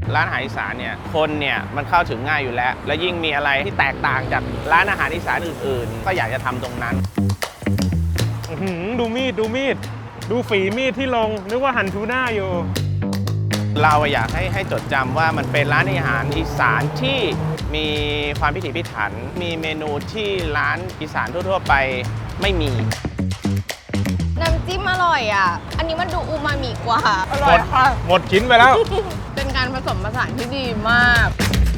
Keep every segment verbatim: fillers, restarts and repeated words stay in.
ร้านอาหารอีสานเนี่ยคนเนี่ยมันเข้าถึงง่ายอยู่แล้วแล้วยิ่งมีอะไรที่แตกต่างจากร้านอาหารอีสานอื่นๆก็อยากจะทำตรงนั้นดูมีดดูมีดดูฝีมีดที่ลงนึกว่าหั่นทูน่าอยู่เราอยากให้ให้จดจำว่ามันเป็นร้านอาหารอีสานที่มีความพิถีพิถันมีเมนูที่ร้านอีสานทั่วๆไปไม่มีน้ำจิ้มอร่อยอ่ะอันนี้มันดูอูมามิกว่าอร่อยค่ะหมดชิ้นไปแล้วเป็นการผสมผสานที่ดีมาก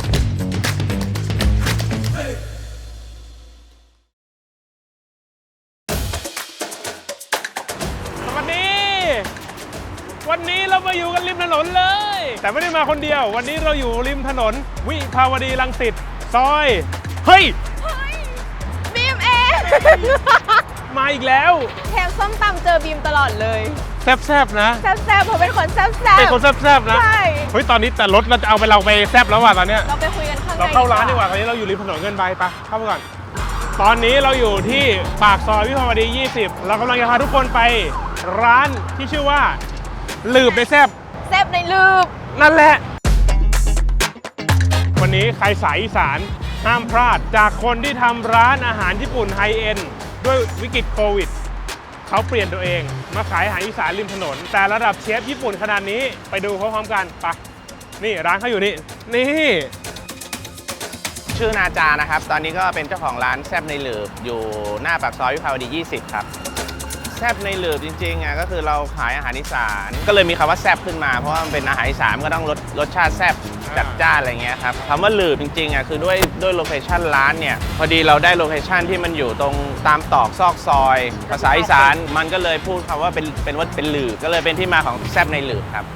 วันนี้เรามาอยู่กันริมถนนเลยแต่ไม่ได้มาคนเดียววันนี้เราอยู่ริมถนนวิภาวดีรังสิตซอยเฮ้ยบีมเองมาอีกแล้วแถมส้มตำเจอบีมตลอดเลยแซบๆนะแซบๆผมเป็นคนแซบๆเป็นคนแซบๆนะใช่เฮ้ยตอนนี้แต่รถเราจะเอาไปเราไปแซบแล้วว่ะตอนเนี้ยเราไปคุยกันข้างในเราเข้าร้านดีกว่าตอนนี้เราอยู่ริมถนนเงินใบไปเข้าไปก่อนตอนนี้เราอยู่ที่ปากซอยวิภาวดียี่สิบเรากำลังจะพาทุกคนไปร้านที่ชื่อว่าลืบในแซบแซบในลืบนั่นแหละวันนี้ใครสายอีสานห้ามพลาดจากคนที่ทำร้านอาหารญี่ปุ่นไฮเอ็นด์ด้วยวิกฤตโควิดเขาเปลี่ยนตัวเองมาขายอาหารอีสานริมถนนแต่ระดับเชฟญี่ปุ่นขนาดนี้ไปดูพร้อมๆกันไปนี่ร้านเขาอยู่นี่นี่ชื่อนาจานะครับตอนนี้ก็เป็นเจ้าของร้านแซบในลืบอยู่หน้าปากซอยวิภาวดียี่สิบครับแซบในหลืบจริงๆอ่ะก็คือเราขายอาหารอีสานก็เลยมีคำว่าแซบขึ้นมาเพราะว่ามันเป็นอาหารอีสานก็ต้องรสรสชาติแซบจัดจ้านอะไรเงี้ยครับคำว่าหลืบจริงๆอ่ะคือด้วยด้วยโลเคชั่นร้านเนี่ยพอดีเราได้โลเคชั่นที่มันอยู่ตรงตามตอกซอกซอยภาษาอีสานมันก็เลยพูดคำว่าเป็นเป็นว่าเป็นหลืบก็เลยเป็นที่มาของแซบในหลืบครับ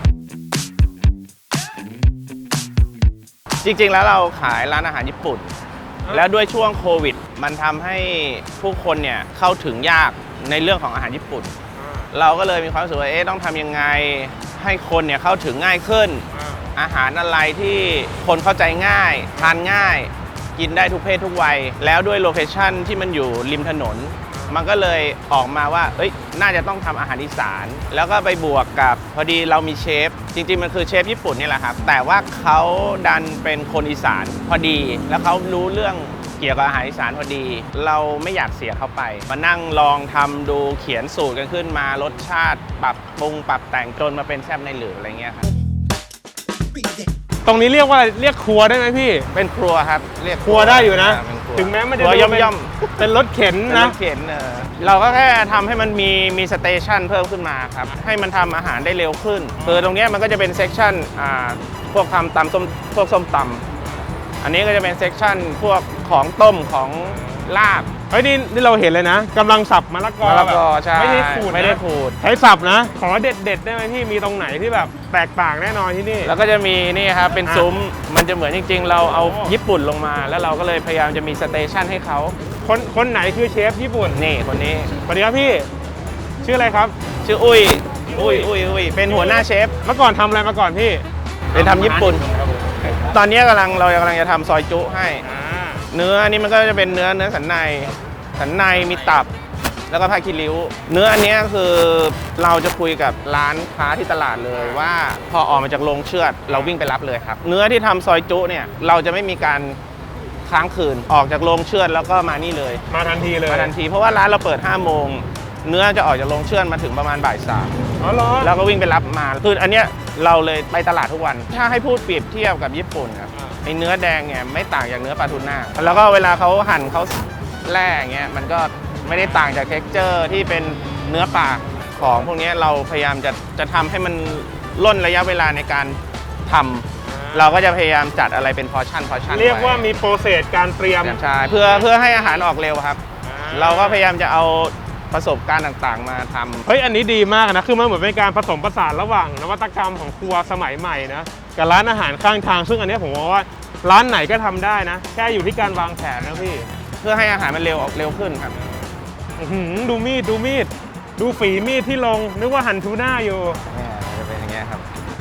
จริงๆแล้วเราขายร้านอาหารญี่ปุ่นแล้วด้วยช่วงโควิดมันทำให้ผู้คนเนี่ยเข้าถึงยากในเรื่องของอาหารญี่ปุ่นเราก็เลยมีความรู้สึกว่าเอ๊ะต้องทำยังไงให้คนเนี่ยเข้าถึงง่ายขึ้นอาหารอะไรที่คนเข้าใจง่ายทานง่ายกินได้ทุกเพศทุกวัยแล้วด้วยโลเคชั่นที่มันอยู่ริมถนนมันก็เลยออกมาว่าเอ้ยน่าจะต้องทำอาหารอีสานแล้วก็ไปบวกกับพอดีเรามีเชฟจริงๆมันคือเชฟญี่ปุ่นนี่แหละครับแต่ว่าเขาดันเป็นคนอีสานพอดีแล้วเขารู้เรื่องเกี่ยวกับอาหารอีสานพอดีเราไม่อยากเสียเข้าไปมานั่งลองทำดูเขียนสูตรกันขึ้นมารสชาติปรับปรุงปรับแต่งจนมาเป็นแซ่บในหลืบอะไรเงี้ยครับตรงนี้เรียกว่าเรียกครัวได้ไหมพี่เป็นครัวครับเรียกครัวได้อยู่นะถึงแม้มันจะย่อมย่อมเป็นรถเข็นนะรถเข็นเราก็แค่ทำให้มันมีมีสเตชันเพิ่มขึ้นมาครับให้มันทำอาหารได้เร็วขึ้นคือตรงนี้มันก็จะเป็นเซกชันอ่าพวกทำตำส้มพวกส้มตำอันนี้ก็จะเป็นเซกชันพวกของต้มของลาบเฮ้ยนี่นี่เราเห็นเลยนะกำลังสับมะละกอมะละกอใช่ไม่ได้ขูดไม่ได้ขูดใช้สับนะขอเด็ดเด็ดได้ไหมพี่มีตรงไหนที่แบบแตกต่างแน่นอนที่นี่แล้วก็จะมีนี่ครับเป็นซุ้มมันจะเหมือนจริงๆเราเอาญี่ปุ่นลงมาแล้วเราก็เลยพยายามจะมีสเตชันให้เขาคนคนไหนคือเชฟญี่ปุ่นนี่คนนี้สวัสดีครับพี่ชื่ออะไรครับชื่ออุ้ยอุ้ยอุ้ยอุ้ยเป็นหัวหน้าเชฟเมื่อก่อนทำอะไรมาก่อนพี่เป็นทำญี่ปุ่นตอนนี้กำลังเรากำลังจะทำซอยจุให้เนื้ออันนี้มันก็จะเป็นเนื้อเนื้อสันในสันในมีตับแล้วก็ผ้าคีริ้วเนื้ออันนี้คือเราจะคุยกับร้านค้าที่ตลาดเลยว่าพอออกมาจากโรงเชือดเราวิ่งไปรับเลยครับเนื้อที่ทำซอยจุเนี่ยเราจะไม่มีการค้างคืนออกจากโรงเชือดแล้วก็มานี่เลยมาทันทีเลยมาทันทีเพราะว่าร้านเราเปิดห้าโมงเนื้อจะออกจากโรงเชือดมาถึงประมาณบ่ายสามอ๋อเหรอแล้วก็วิ่งไปรับมาคืออันเนี้ยเราเลยไปตลาดทุกวันถ้าให้พูดเปรียบเทียบกับญี่ปุ่นครับไอเนื้อแดงเนี่ยไม่ต่างจากเนื้อปลาทูน่าแล้วก็เวลาเขาหั่นเขาแล่เงี้ยมันก็ไม่ได้ต่างจากเท็กเจอร์ที่เป็นเนื้อปลาของพวกนี้เราพยายามจะจะทำให้มันล่นระยะเวลาในการทำเราก็จะพยายามจัดอะไรเป็นพอชั่นพอชั่นเรียกว่ามีโปรเซสการเตรียมใช่เพื่อเพื่อให้อาหารออกเร็วครับเราก็พยายามจะเอาประสบการณ์ต่างๆมาทำเฮ้ยอันนี้ดีมากนะคือมันเหมือนเป็นการผสมผสานระหว่างนวัตกรรมของครัวสมัยใหม่นะกับร้านอาหารข้างทางซึ่งอันนี้ผมว่าร้านไหนก็ทำได้นะแค่อยู่ที่การวางแผนนะพี่เพื่อให้อาหารมันเร็วออกเร็วขึ้นครับดูมีดดูมีดดูฝีมีดที่ลงนึกว่าหั่นทูน่าอยู่เนี่ยจะเป็นอย่างเงี้ยครับ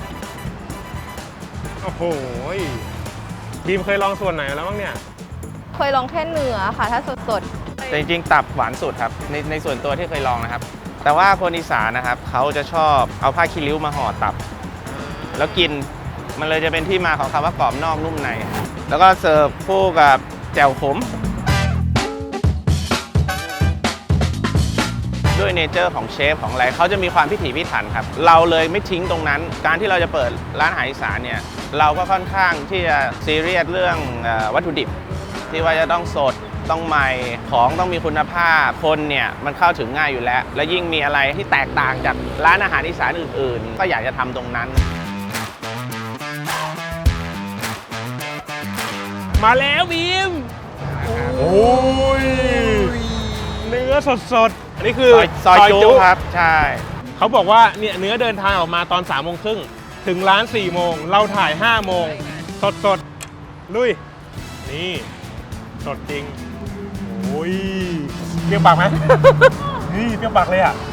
โอ้โหบีมเคยลองส่วนไหนแล้วบ้างเนี่ยเคยลองแค่เนื้อค่ะถ้าสดๆแต่จริงๆตับหวานสุดครับในในส่วนตัวที่เคยลองนะครับแต่ว่าคนอีสานนะครับเขาจะชอบเอาผ้าคีริ้วมาห่อตับแล้วกินมันเลยจะเป็นที่มาของคำว่ากรอบนอกนุ่มในแล้วก็เสิร์ฟคู่กับแจ่วขมด้วยเนเจอร์ของเชฟของอะไรเขาจะมีความพิถีพิถันครับเราเลยไม่ทิ้งตรงนั้นการที่เราจะเปิดร้านอาหารอีสานเนี่ยเราก็ค่อนข้างที่จะซีเรียสเรื่องวัตถุดิบที่ว่าจะต้องสดต้องใหม่ของต้องมีคุณภาพคนเนี่ยมันเข้าถึงง่ายอยู่แล้วและยิ่งมีอะไรที่แตกต่างจากร้านอาหารอีสานอื่นๆก็อยากจะทำตรงนั้นมาแล้วบีมโอ้ยเนื้อสดๆอันนี้คือซอยจุครับใช่เขาบอกว่าเนี่ยเนื้อเดินทางออกมาตอนสามโมงครึ่งถึงร้านสี่โมงเราถ่ายห้าโมงสดสดลุยนี่สดจริงโอ้ยเปรี้ยวปากไหม นี่เปรี้ยวปากเลยอ่ะ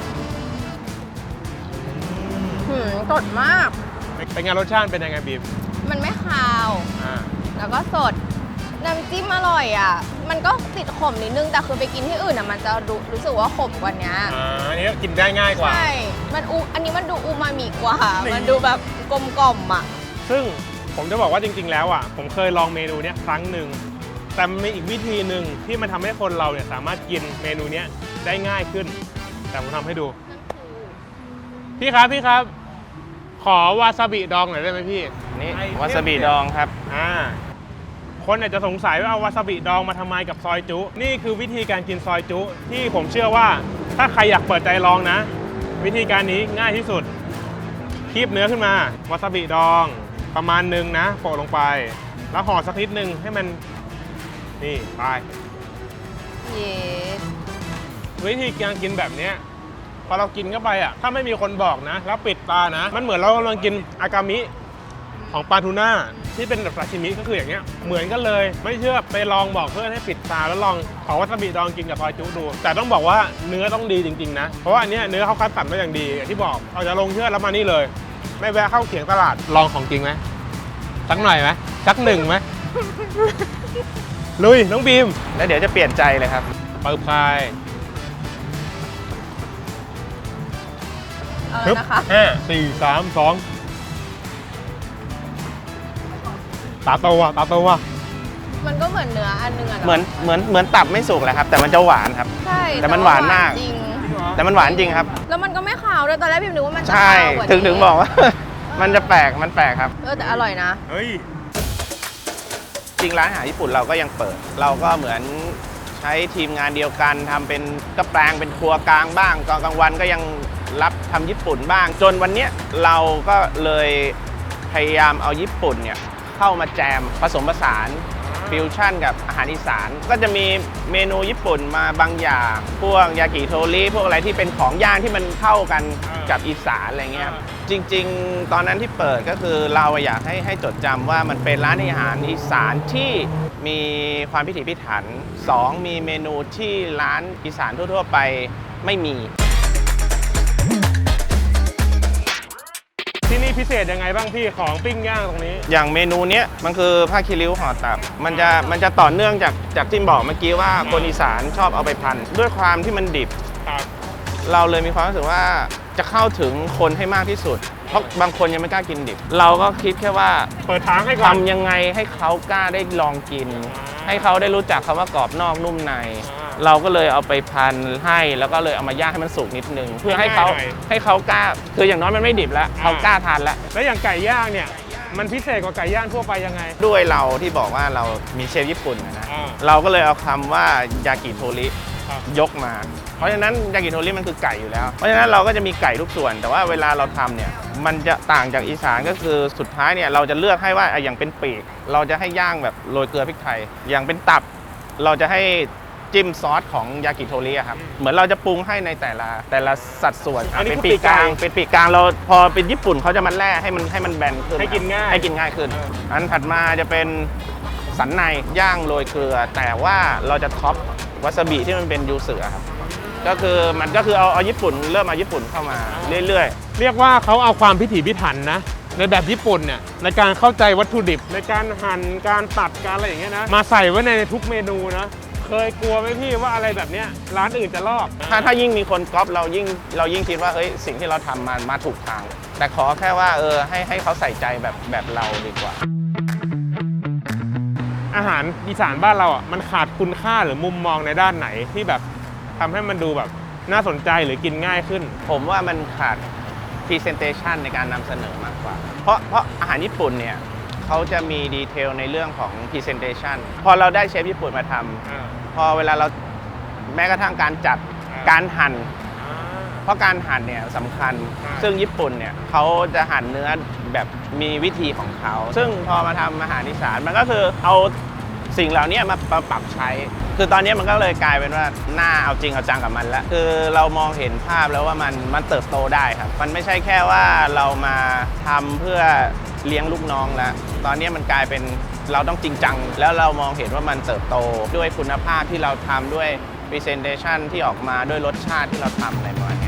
หืมสดมากเป็นไงรสชาติเป็นยังไงบีมมันไม่คาวอ่าแล้วก็สด น้ำจิ้มอร่อยอ่ะ มันก็ติดขมนิดนึง แต่คือไปกินที่อื่นอ่ะมันจะรู้รู้สึกว่าขมกว่านี้อ่าอันนี้กินได้ง่ายกว่าใช่ มันอูอันนี้มันดูอูมามิกว่านี่มันดูแบบกลมกล่อมอ่ะซึ่งผมจะบอกว่าจริงๆแล้วอ่ะผมเคยลองเมนูเนี้ยครั้งหนึ่งแต่มันมีอีกวิธีหนึ่งที่มันทำให้คนเราเนี่ยสามารถกินเมนูเนี้ยได้ง่ายขึ้น แต่ผมทำให้ดู พี่ครับพี่ครับ ขอวาซาบิดองหน่อยได้ไหมพี่นี่วาซาบิดองครับอ่าคนอาจจะสงสัยว่าเอาวาซาบิดองมาทำไมกับซอยจุนี่คือวิธีการกินซอยจุที่ผมเชื่อว่าถ้าใครอยากเปิดใจลองนะ วิธีการนี้ง่ายที่สุดคีบเนื้อขึ้นมาวาซาบิดองประมาณหนึ่งนะโปะลงไป แล้วห่อสักนิดนึงให้มันนี่ไปเย้วิธีการกินแบบเนี้ยพอเรากินเข้าไปอ่ะถ้าไม่มีคนบอกนะแล้วปิดตานะ มันเหมือนเรากำลังกินอากามิของปลาทูน่าที่เป็นแบบซาชิมิก็คืออย่างเงี้ยเหมือนกันเลยไม่เชื่อไปลองบอกเพื่อนให้ปิดตาแล้วลองขอวาซาบิดองกินกับซอยจุดู แต่ต้องบอกว่าเนื้อต้องดีจริงๆนะเพราะว่าอันเนี้ยเนื้อเขาคัดสรรมาอย่างดีอย่างที่บอกเอาจะลงเชื่อแล้วมานี่เลย ไม่แวะเข้าเขียงตลาดลองของจริงไหมสักหน่อยไหมสักหนึ่งไหม ลุยน้องบีมแล้วเดี๋ยวจะเปลี่ยนใจเลยครับเปิดพายเออฮึบนะคะห้าสี่สามสองตาโตว่ะตาโตว่ะมันก็เหมือนเนื้ออันนึงอะเนาะเหมือนเหมือนเหมือนตับไม่สุกแหละครับ แต่มันจะหวานครับใช่แต่มันหวานมากจริงแต่มันหวานจริงครับแล้วมันก็ไม่คาวด้วยตอนแรกพิมนึกว่ามันจะใช่คาวกว่านี้ถึงถึงบอกว่า มันจะแปลกมันแปลกครับเออแต่อร่อยนะเฮ้ยจริงร้านอาหารญี่ปุ่นเราก็ยังเปิด เราก็เหมือนใช้ทีมงานเดียวกันทำเป็นก็แปลงเป็นครัวกลางบ้างตอนกลางวันก็ยังรับทำญี่ปุ่นบ้าง จนวันเนี้ยเราก็เลยพยายามเอาญี่ปุ่นเนี่ยเข้ามาแจมผสมผสานฟิวชั่นกับอาหารอีสานก็จะมีเมนูญี่ปุ่นมาบางอย่างพวกยากิโทริพวกอะไรที่เป็นของย่างที่มันเข้ากันกับอีสานอะไรเงี้ยจริงๆ ตอนนั้นที่เปิดก็คือเราอยากให้ให้จดจำว่ามันเป็นร้านอาหารอีสานที่มีความพิถีพิถันสองมีเมนูที่ร้านอีสานทั่วๆไปไม่มีที่นี่พิเศษยังไงบ้างพี่ของปิ้งย่างตรงนี้อย่างเมนูเนี้ยมันคือผ้าคีริ้วห่อตับมันจะมันจะต่อเนื่องจากจากที่บอกเมื่อกี้ว่าคนอีสานชอบเอาไปพันด้วยความที่มันดิบครับเราเลยมีความรู้สึกว่าจะเข้าถึงคนให้มากที่สุด เพราะบางคนยังไม่กล้ากินดิบ เราก็คิดแค่ว่าเปิดทางให้ก่อนทำยังไงให้เขากล้าได้ลองกิน ให้เขาได้รู้จักคำว่ากรอบนอกนุ่มใน เราก็เลยเอาไปพันให้แล้วก็เลยเอามาย่างให้มันสุกนิดนึงเพื่อให้เขาให้เขากล้าคืออย่างน้อยมันไม่ดิบแล้วเขากล้าทานแล้วแล้วอย่างไก่ย่างเนี่ยมันพิเศษกว่าไก่ย่างทั่วไปยังไงด้วยเราที่บอกว่าเรามีเชฟญี่ปุ่นนะอ่าเราก็เลยเอาคำว่ายากิโทริครับยกมา เพราะฉะนั้นยากิโทริมันคือไก่อยู่แล้ว เพราะฉะนั้นเราก็จะมีไก่ทุกส่วน แต่ว่าเวลาเราทำเนี่ยมันจะต่างจากอีสานก็คือสุดท้ายเนี่ยเราจะเลือกให้ว่าอ่ะอย่างเป็นปีกเราจะให้ย่างแบบโรยเกลือพริกไทย อย่างเป็นตับเราจะให้จิ้มซอสของยากิโทริอะครับเหมือนเราจะปรุงให้ในแต่ละแต่ละสัดส่วนอันนี้เป็นคือปีกกลางปีกไก่เป็นปีกกลางเราพอเป็นญี่ปุ่นเขาจะมาแล่ให้มันให้มันแบนขึ้นให้กินง่ายให้กินง่ายขึ้น อันถัดมาจะเป็นสันในย่างโรยเกลือ แต่ว่าเราจะท็อปวาซาบิที่มันเป็นยูสึอะครับก็คือมันก็คือเอาเอาญี่ปุ่นเริ่มเอาญี่ปุ่นเข้ามาเรื่อยเรียกว่าเขาเอาความพิถีพิถันนะในแบบญี่ปุ่นเนี่ยในการเข้าใจวัตถุดิบในการหั่นการตัดการอะไรอย่างเงี้ยนะมาใส่ไว้ในทุกเมนูนะเคยกลัวไหมพี่ว่าอะไรแบบเนี้ยร้านอื่นจะลอกๆ ถ้าถ้ายิ่งมีคนก๊อปเรายิ่งเรายิ่งคิดว่าเฮ้ยสิ่งที่เราทำมามาถูกทางแต่ขอแค่ว่าเออให้ให้เขาใส่ใจแบบแบบเราดีกว่าอาหารอีสานบ้านเราอ่ะมันขาดคุณค่าหรือมุมมองในด้านไหนที่แบบทำให้มันดูแบบน่าสนใจหรือกินง่ายขึ้นผมว่ามันขาด presentation ในการนำเสนอมากกว่า เพราะเพราะอาหารญี่ปุ่นเนี่ยเขาจะมีดีเทลในเรื่องของ presentation พอเราได้เชฟญี่ปุ่นมาทำพอเวลาเราแม้กระทั่งการจัดการหั่นเพราะการหั่นเนี่ยสำคัญซึ่งญี่ปุ่นเนี่ยเขาจะหั่นเนื้อแบบมีวิธีของเขาซึ่งพอมาทำอาหารอีสานมันก็คือเอาสิ่งเหล่านี้มาปรับใช้คือตอนนี้มันก็เลยกลายเป็นว่าหน้าเอาจริงเอาจังกับมันแล้วคือเรามองเห็นภาพแล้วว่ามันมันเติบโตได้ครับมันไม่ใช่แค่ว่าเรามาทำเพื่อเลี้ยงลูกน้องแล้วตอนนี้มันกลายเป็นเราต้องจริงจังแล้วเรามองเห็นว่ามันเติบโตด้วยคุณภาพที่เราทำด้วย presentation ที่ออกมาด้วยรสชาติที่เราทำอะไรประมาณนี้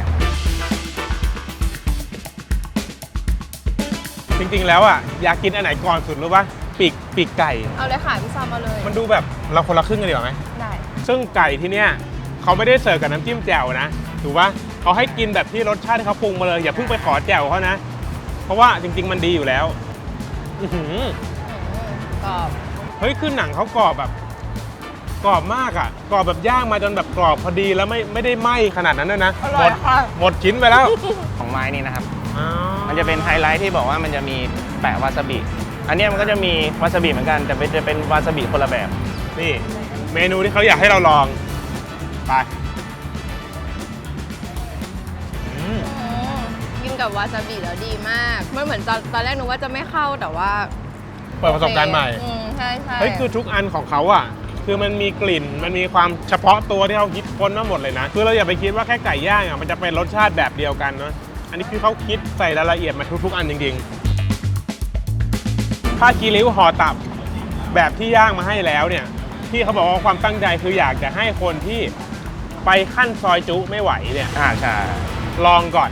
จริงๆแล้วอ่ะอยากกินอันไหนก่อนสุดรู้ป่ะปีกปีกไก่เอาเลยค่ะพี่ซอมมาเลยมันดูแบบเราคนละครึ่งกันดีกว่าไหมได้ซึ่งไก่ที่เนี้ยเขาไม่ได้เสิร์ฟกับน้ำจิ้มแจ่วนะถูกป่ะเขาให้กินแบบที่รสชาติที่เขาปรุงมาเลยอย่าเพิ่งไปขอแจ่วเขานะเพราะว่าจริงๆมันดีอยู่แล้วอื้อหือกรอบเฮ้ยคือหนังเขากรอบแบบกรอบมากอ่ะกรอบแบบย่างมาจนแบบกรอบพอดีแล้วไม่ไม่ได้ไหม้ขนาดนั้นด้วยนะอหร่มอยดค่ะหมดชิ้นไปแล้วของไม้นี่นะครับอ๋อมันจะเป็นไฮไลท์ที่บอกว่ามันจะมีแปะวาซาบิ อันเนี้ยมันก็จะมีวาซาบิเหมือนกัน แต่เป็นจะเป็นวาซาบิคนละแบบนี่เมนูที่เขาอยากให้เราลองไปอืมอืมกินกับวาซาบิแล้วดีมากมันเหมือนตอนตอนแรกนึกว่าจะไม่เข้าแต่ว่าเปิดประสบการณ์ใหม่อืมใช่ใช่เฮ้ยคือทุกอันของเขาอ่ะคือมันมีกลิ่นมันมีความเฉพาะตัวที่เขาคิดค้นมาหมดเลยนะคือเราอย่าไปคิดว่าแค่ไก่ย่างอ่ะมันจะเป็นรสชาติแบบเดียวกันเนาะอันนี้คือเขาคิดใส่รายละเอียดมาทุกๆอันจริงๆผ้ากีริ้วห่อตับแบบที่ย่างมาให้แล้วเนี่ยที่เขาบอกว่าความตั้งใจคืออยากจะให้คนที่ไปขั้นซอยจุไม่ไหวเนี่ยอ่าใช่ลองก่อน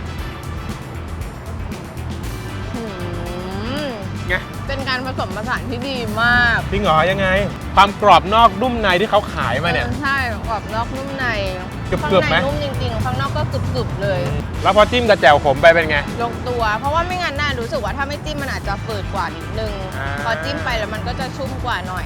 อืมไงเป็นการผสมผสานที่ดีมากจริงเหรอยังไง ความกรอบนอกนุ่มในที่เขาขายมาเนี่ยออใช่กรอบนอกนุ่มในกรึบๆข้างไหมในนุ่มจริงๆข้างนอกก็กรึบๆเลยแล้วพอจิ้มกับแจ่วขมไปเป็นไงลงตัว เพราะว่าไม่งั้นน่ารู้สึกว่าถ้าไม่จิ้มมันอาจจะฝืดกว่านิดนึงอ่าพอจิ้มไปแล้วมันก็จะชุ่มกว่าหน่อย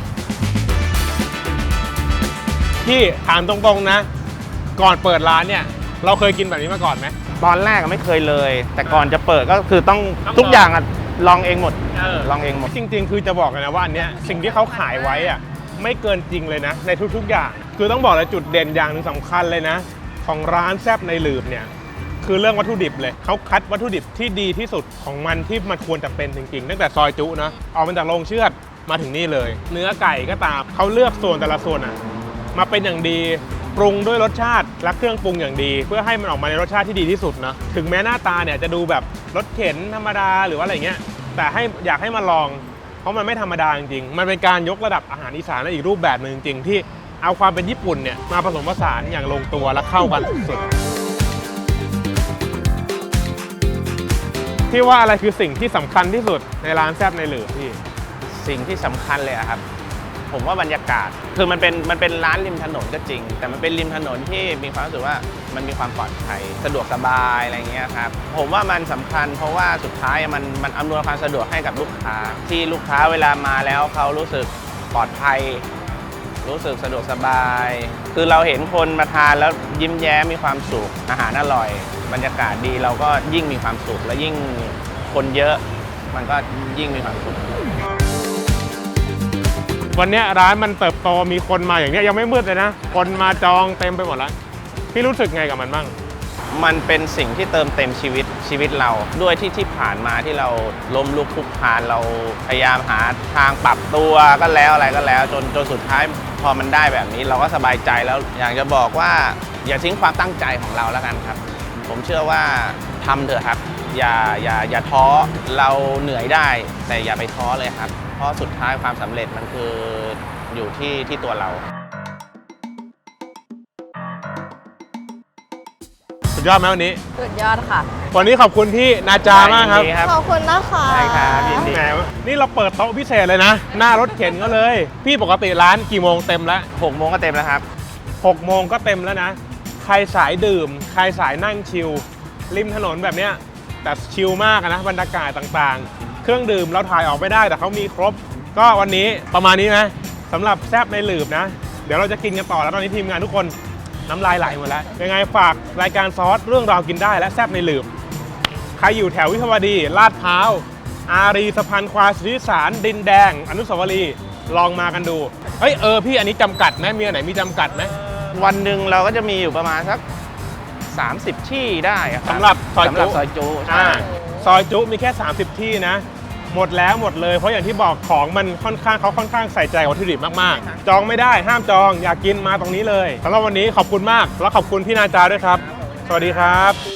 พี่ถามตรงๆนะ ก่อนเปิดร้านเนี่ย เราเคยกินแบบนี้มาก่อนไหมตอนแรกอะไม่เคยเลย แต่ก่อนจะเปิดก็คือต้องต้องทุกอย่างอะลองเองหมดเออลองเองหมดจริงๆ คือจะบอกเลยนะว่าอันเนี้ยสิ่งที่เขาขายไว้อะไม่เกินจริงเลยนะ ในทุกๆอย่าง คือต้องบอกเลยจุดเด่นอย่างหนึ่งสำคัญเลยนะ ของร้านแซบในหลืบเนี่ยคือเรื่องวัตถุดิบเลยเขาคัดวัตถุดิบที่ดีที่สุดของมันที่มันควรจะเป็นจริงๆตั้งแต่ซอยจุนะออกมาจากโรงเชือดมาถึงนี่เลย เนื้อไก่ก็ตามเขาเลือกส่วนแต่ละส่วนอะมาเป็นอย่างดีปรุงด้วยรสชาติและเครื่องปรุงอย่างดี เพื่อให้มันออกมาในรสชาติที่ดีที่สุดนะถึงแม้หน้าตาเนี่ยจะดูแบบรสเข็นธรรมดาหรือว่าอะไรเงี้ยแต่ให้อยากให้มาลอง เพราะมันไม่ธรรมดาจริงๆมันเป็นการยกระดับอาหารอีสานในอีกรูปแบบหนึ่งจริงๆที่เอาความเป็นญี่ปุ่นเนี่ยมาผสมผสานอย่างลงตัวและเข้ากันสุดๆที่ว่าอะไรคือสิ่งที่สำคัญที่สุดในร้านแซ่บในหลืบพี่สิ่งที่สำคัญเลยอะครับ ผมว่าบรรยากาศ คือมันเป็นมันเป็นร้านริมถนนก็จริง แต่มันเป็นริมถนนที่มีความรู้สึกว่ามันมีความปลอดภัยสะดวกสบายอะไรเงี้ยครับผมว่ามันสำคัญเพราะว่าสุดท้ายมันมันอำนวยความสะดวกให้กับลูกค้า ที่ลูกค้าเวลามาแล้วเขารู้สึกปลอดภัย รู้สึกสะดวกสบาย คือเราเห็นคนมาทานแล้วยิ้มแย้มมีความสุขอาหารอร่อย บรรยากาศดีเราก็ยิ่งมีความสุขและยิ่งคนเยอะ มันก็ยิ่งมีความสุขวันเนี้ยร้านมันเติบโตมีคนมาอย่างเนี้ยยังไม่มืดเลยนะคนมาจองเต็มไปหมดแล้วพี่รู้สึกไงกับมันบ้างมันเป็นสิ่งที่เติมเต็มชีวิตชีวิตเรา ด้วยที่ที่ผ่านมาที่เราล้มลุกคลุกคลานเราพยายามหาทางปรับตัวก็แล้วอะไรก็แล้ว จนจนสุดท้ายพอมันได้แบบนี้เราก็สบายใจแล้วอยากจะบอกว่าอย่าทิ้งความตั้งใจของเราแล้วกันครับ ผมเชื่อว่าทำเถอะครับ อย่าอย่าอย่าท้อเราเหนื่อยได้ แต่อย่าไปท้อเลยครับ เพราะสุดท้ายความสำเร็จมันคืออยู่ที่ที่ตัวเราสุดยอดไหมวันนี้สุดยอดค่ะวันนี้ขอบคุณพี่นาจามากครับยินดีครับขอบคุณนะคะได้ครับยินดีแหมนี่เราเปิดโต๊ะพิเศษเลยนะ หน้ารถเข็นก็เลย พี่ปกติร้านกี่โมงเต็มแล้วหกโมงก็เต็มแล้วครับหกโมงก็เต็มแล้วนะ ใครสายดื่ม ใครสายนั่งชิลริมถนนแบบเนี้ยแต่ชิลมากนะบรรยากาศต่างๆ เครื่องดื่มเราถ่ายออกไม่ได้แต่เขามีครบก็วันนี้ประมาณนี้นะสำหรับแซบในหลืบนะ เดี๋ยวเราจะกินกันต่อแล้วตอนนี้ทีมงานทุกคนน้ำลายไหลหมดแล้วยังไงฝากรายการซอสเรื่องราวกินได้และแซบในหลืบใครอยู่แถววิภาวดีลาดพร้าวอารีสะพานควายสุทธิสารดินแดงอนุสาวรีย์ลองมากันดูเฮ้ยเออพี่อันนี้จำกัดไหมมีอันไหนมีจำกัดไหมวันหนึ่งเราก็จะมีอยู่ประมาณสักสามสิบที่ได้อะคบสำหรับซอยสำหรับจุซอยจุใช่อ่าซอยจุมีแค่สามสิบที่นะ หมดแล้วหมดเลยเพราะอย่างที่บอกของมันค่อนข้างเขาค่อนข้างใส่ใจกับวัตถุดิบมากๆ จองไม่ได้ห้ามจองอยากกินมาตรงนี้เลยสำหรับวันนี้ขอบคุณมากแล้วขอบคุณพี่นาจาด้วยครับ สวัสดีครับ